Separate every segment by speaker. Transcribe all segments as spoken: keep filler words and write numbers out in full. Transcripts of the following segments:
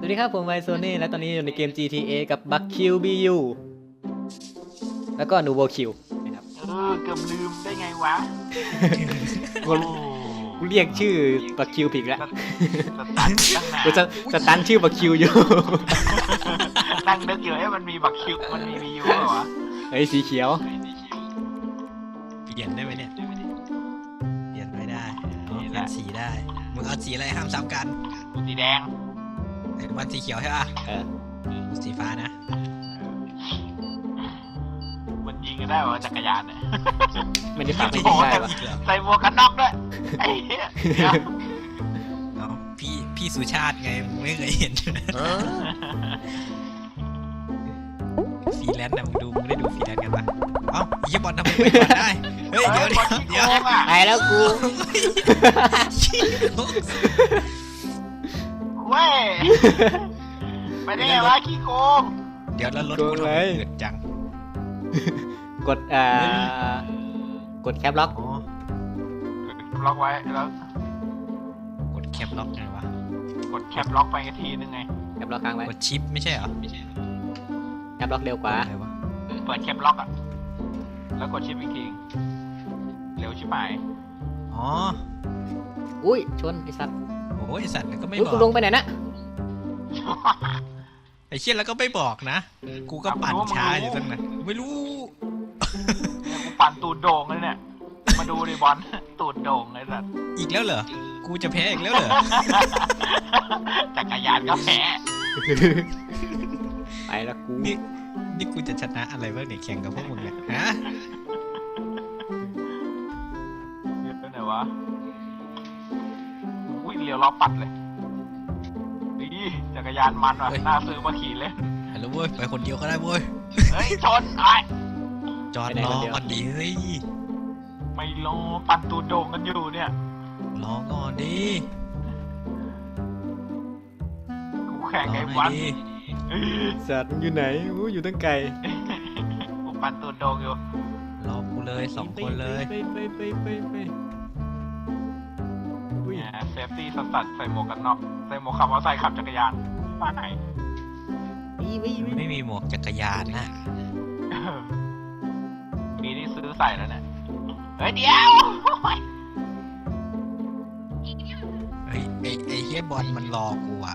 Speaker 1: วัสดีครับผมไวโซเน่และตอนนี้อยู่ในเกม จี ที เอ กับบัคคิวบียูแล้วก็นูโวคิวนะครับ
Speaker 2: เออเกือบลืมได้ไงวะ
Speaker 1: กูกูเรียกชื่อบัคคิวผิดแล้ว
Speaker 2: สตันตั้งนาน
Speaker 1: กูจะสตันชื่อบัคคิวอยู่
Speaker 2: นั่งนึกอยู่ให้มันมีบักคิวมันมีวียูเหรอวะ
Speaker 1: เฮ้ยสีเขียว
Speaker 3: เปลี่ยนได้ไหมเนี่ยเปลี่ยนไม่ได้อ๋อเปลี่ยนสีได้มึงเอาสีอะไรห้ามซ้ำกัน
Speaker 2: สีแดง
Speaker 3: ไอ้วันสีเขียวใช่ป่ะ
Speaker 1: เออ
Speaker 3: สีฟ้านะ
Speaker 2: มันยิงกันได้วะจักรยานเนี่ย
Speaker 1: ไม่ได้ฟังไม่
Speaker 2: โอ้โห
Speaker 1: ได้
Speaker 2: ใส่
Speaker 1: ปะ
Speaker 2: ใส่หมวกกันน็อกด้วยไอ้เหี้ยเดี๋ยว
Speaker 3: เอาพี่พี่สุชาติไงมึงไม่เคยเห็นฟรีแลนซ์นะมึงดูมึงได้ดูฟรีแลนซ์กันปะเอ้าไอ้ยี่บอลทำไมไปก่อนได้เฮ้ยเดี๋ยวเดี๋ยวเดี๋ยว
Speaker 2: โกงอ่ะ
Speaker 1: ตายแล้วกู
Speaker 2: เว้ยไปได้ไงวะขี้โกง
Speaker 3: เดี๋ยวแล้วรถกูทำไมเกิดจัง
Speaker 1: กดอ่ากดแคปล็อก
Speaker 3: อ๋อ
Speaker 2: ล็อกไว้แล้ว
Speaker 3: กดแคปล็อกไงวะ
Speaker 2: กดแคปล็อกไปทีนึงไง
Speaker 1: แคปล็อกค้างไว้
Speaker 3: กดชิปไม่ใช่เหรอ
Speaker 1: แคปล็อกเร็วกว่า
Speaker 3: อะไรวะ
Speaker 2: เปิดแคปล็อกอ่ะแล้วกดชิปอีกทีเร็วชิบหาย
Speaker 3: อ๋อ
Speaker 1: อุ้ยชนไอ้สัตว์
Speaker 3: โอ้ยไอ้สัตว์ก็ไม่
Speaker 1: อุ้ย
Speaker 3: บอ
Speaker 1: กู
Speaker 3: ก
Speaker 1: ลงไปไหนนะ
Speaker 3: ไอ้เชี่ยแล้วก็ไม่บอกนะ กูก็ปั่นช้าอยู่ตั้งนานไม่รู้
Speaker 2: เนี่ยกูปั่นตูดโด่งเลยเนี่ย มาดูดิบอล ตูดโด่งเลยสัตว์
Speaker 3: อีกแล้วเหรอ กูจะแพ้อีกแล้วเหรอ
Speaker 2: จักรยานก็แพ้
Speaker 1: ไปแล้วกู
Speaker 3: นี่นี่กูจะชนะอะไรบ้างเนี่ยแข่งกับพวกมึงเนี่ยฮะ
Speaker 2: เดี๋ยวไปไหนวะอุ้ยเลี้ยวล้อปัดเลยนี่จักรยานมันว่ะน่าซื้อมาขี่เลย
Speaker 3: ฮัลโหลเว้ยไปคนเดียวก็ได้เว้ย
Speaker 2: เฮ้ยชนไอ้
Speaker 3: จอดรอก่อนดิเฮ้ย
Speaker 2: ไม่รอปั่นตูดโด่งกันอยู่เนี่ย
Speaker 3: รอก่อนดิ
Speaker 2: กูแข่ง
Speaker 3: รอ
Speaker 2: ไอ้
Speaker 3: หน่
Speaker 2: วั
Speaker 3: อย
Speaker 2: น
Speaker 3: ดิ
Speaker 2: เอ้ย
Speaker 1: สัตว์อยู่ไหนอู้อยู่ตั้งไกล
Speaker 2: กูปั่นตูดโด่งอยู่
Speaker 3: รอกูเลยสองคนเลย
Speaker 1: ไปไปไปไปไปอุ้ย
Speaker 2: เนี่ยเซฟตี้สตัดใส่หมวกกันน็อกใส่หมวกขับมอเตอร์ไซค์ขับจักรยานป้าไหน
Speaker 1: วิวิวิ
Speaker 3: ไม่มีหมวกจักรยานนะ
Speaker 2: ปีนี้ซื้อใส่แล้วเนี่ย เฮ้ยเดี๋ยว
Speaker 3: เฮ้ยไอ้ไอ้เฮียบอลมันรอกูอะ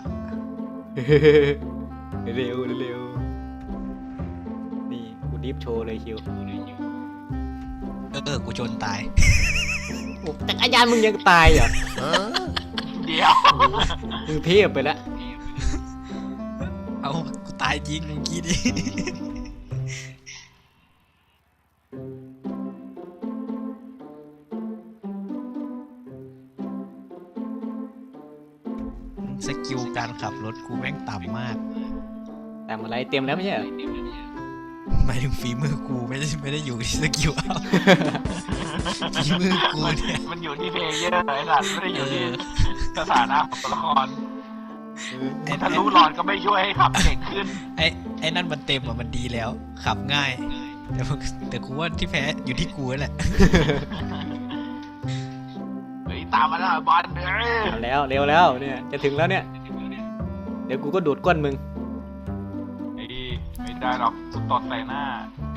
Speaker 1: เร็วเร็วนี่กูดิฟโชว์เลยคิว
Speaker 3: เออเออกูชนตาย
Speaker 1: โอ้จักรยานมึงยังตายเหรอ
Speaker 2: เดี๋ยว
Speaker 1: มึงเทพไปแล้ว
Speaker 3: เอากูตายจริงเมื่อกี้ดิสกิลการขับรถกูแม่งต่ำมาก
Speaker 1: แต่อะไรเต็มแล้วไม่ใช่เหรอ
Speaker 3: หมายถึงฝีมือกูไม่ได้ไม่ได้อยู่ที่สกิลเอา ฝีมือกูเนี่ย
Speaker 2: มันอยู่ที่เพลเยอร์ไอ้สัตว์ไม่ได้อยู่ที่สถานะของตัวละคร
Speaker 3: ไอ้
Speaker 2: ถ้ารู้หลอนก็ไม่ช่วยให้ขับเก่งขึ้น
Speaker 3: ไอ้ไอ้นั่นมันเต็มอ่ะมันดีแล้ว ขับง่าย แต่ว่าแต่กูว่าที่แพ้อยู่ที่กูนั่นแหละ
Speaker 2: เฮ้ยตามมาแล้วบอลเอ้ย
Speaker 1: เอาแล้วเร็วแล้วเนี่ยจะถึงแล้วเนี่ยเดี๋ยวกูก็ดูดก้นมึง
Speaker 2: ไอ้ไม่ได้หรอกกูตดใส่หน้า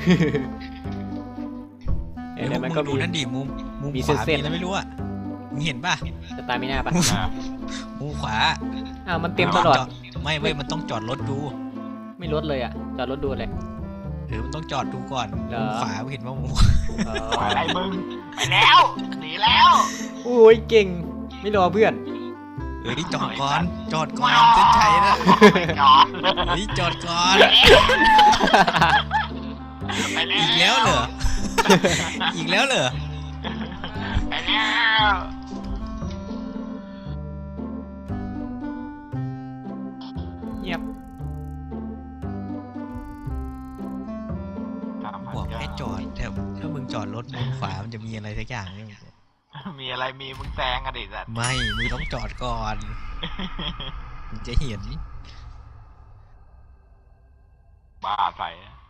Speaker 1: เดี๋ยวมันก็
Speaker 3: ดู
Speaker 1: มี
Speaker 3: นั่นดิมุมมุม
Speaker 1: มี
Speaker 3: ขวา
Speaker 1: เส้นๆ
Speaker 3: มีอะไรไม่รู้อ่ะมึงเห็นป่ะ
Speaker 1: จะตายไม่น่าปะ
Speaker 2: อ่ะ
Speaker 3: มุมขวา
Speaker 1: อ้าวมันเต็มตลอด
Speaker 3: จไม่เว้ยมันต้องจอดรถดู
Speaker 1: ไม่ลดเลยอ่ะจอดรถดูเลย
Speaker 3: หรือมันต้องจอดดูก่อน
Speaker 1: เหรอ
Speaker 3: มุมขวามึงเห็นว่ามุมขวา
Speaker 1: อ๋อ
Speaker 2: อะไรมึงไปแล้วหนีแล้ว
Speaker 1: โอ้ยเก่งไม่รอเพื่อน
Speaker 3: เฮ้ยจอดก่อนจอดก่อนเส้นชัยนะ
Speaker 2: ไปก่อน
Speaker 3: เฮ้ยจอดก่อน
Speaker 2: ไปแล้ว
Speaker 3: อีกแล้วเหรอ อีกแล้วเหรอ
Speaker 2: ไปแล้ว
Speaker 1: เงียบ
Speaker 3: บอกให้จอดแต่ถ้ามึงจอดรถมุมขวามันจะมีอะไรสักอย่างเนี่ย
Speaker 2: มีอะไรมีมึงแซงกันดิสัตว์
Speaker 3: ไม่มึงต้องจอดก่อนมึงจะเห็น
Speaker 2: บ้าใส่